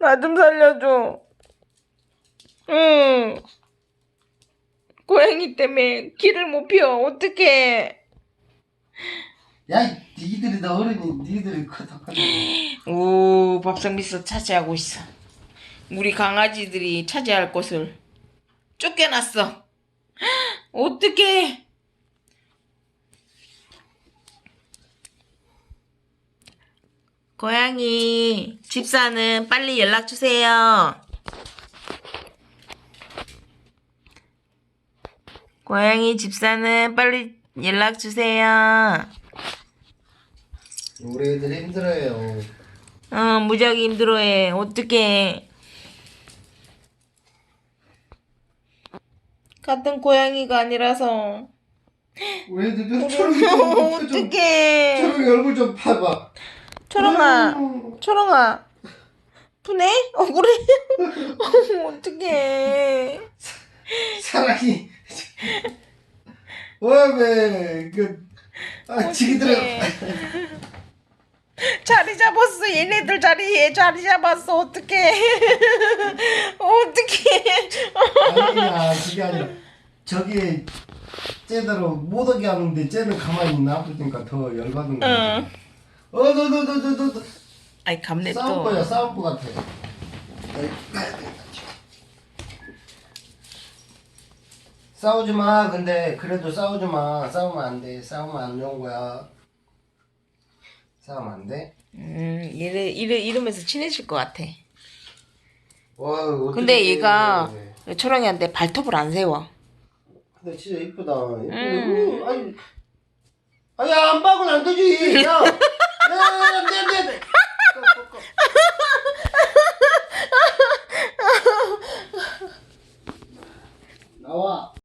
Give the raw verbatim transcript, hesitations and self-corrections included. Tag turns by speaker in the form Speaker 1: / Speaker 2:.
Speaker 1: 나 좀 살려줘. 응. 고양이 때문에 길을 못 피워. 어떡해.
Speaker 2: 야, 니들이 다 어른이 니들이 커덕하네.
Speaker 1: 오, 밥상 비서 차지하고 있어. 우리 강아지들이 차지할 곳을 쫓겨났어. 어떡해. 고양이 집사는 빨리 연락 주세요. 고양이 집사는 빨리 연락 주세요.
Speaker 2: 우리 애들 힘들어요.
Speaker 1: 어, 무지하게 힘들어해. 어떡해. 같은 고양이가 아니라서.
Speaker 2: 우리 애들 좀 초롱이 좀
Speaker 1: 어떡해.
Speaker 2: 초롱이 얼굴 좀 봐봐.
Speaker 1: 초롱아,
Speaker 2: 아유.
Speaker 1: 초롱아. 푸네? 억울해? 어떡해.
Speaker 2: 사랑이 왜왜 그 아, 지기들아.
Speaker 1: 자리 잡았어. 얘네들 자리에 자리 잡았어. 어떡해. 어떡해.
Speaker 2: 아니야, 그게 아니라 저기 쟤대로 못 오게 하는데 쟤는 가만히 놔두니까 더 열받은 거야.
Speaker 1: 응.
Speaker 2: 어, 너, 너, 너, 너, 너, 너.
Speaker 1: 아이, 감내 또.
Speaker 2: 싸울 거야, 싸울 거 같아. 싸우지 마. 근데 그래도 싸우지 마. 싸우면 안 돼. 싸우면 안 좋은 거야. 싸우면 안 돼.
Speaker 1: 음, 이래, 이래, 이러면서 친해질 것 같아.
Speaker 2: 와, 어떻게
Speaker 1: 근데 얘가
Speaker 2: 해.
Speaker 1: 초롱이한테 발톱을 안 세워.
Speaker 2: 근데 진짜 이쁘다. 이쁘다.
Speaker 1: 음.
Speaker 2: 어, 아니, 아니, 안 박으면 안 되지. 야, 야, 안 돼, 안 돼, 안 돼. 꺼, 꺼, 꺼. 나와.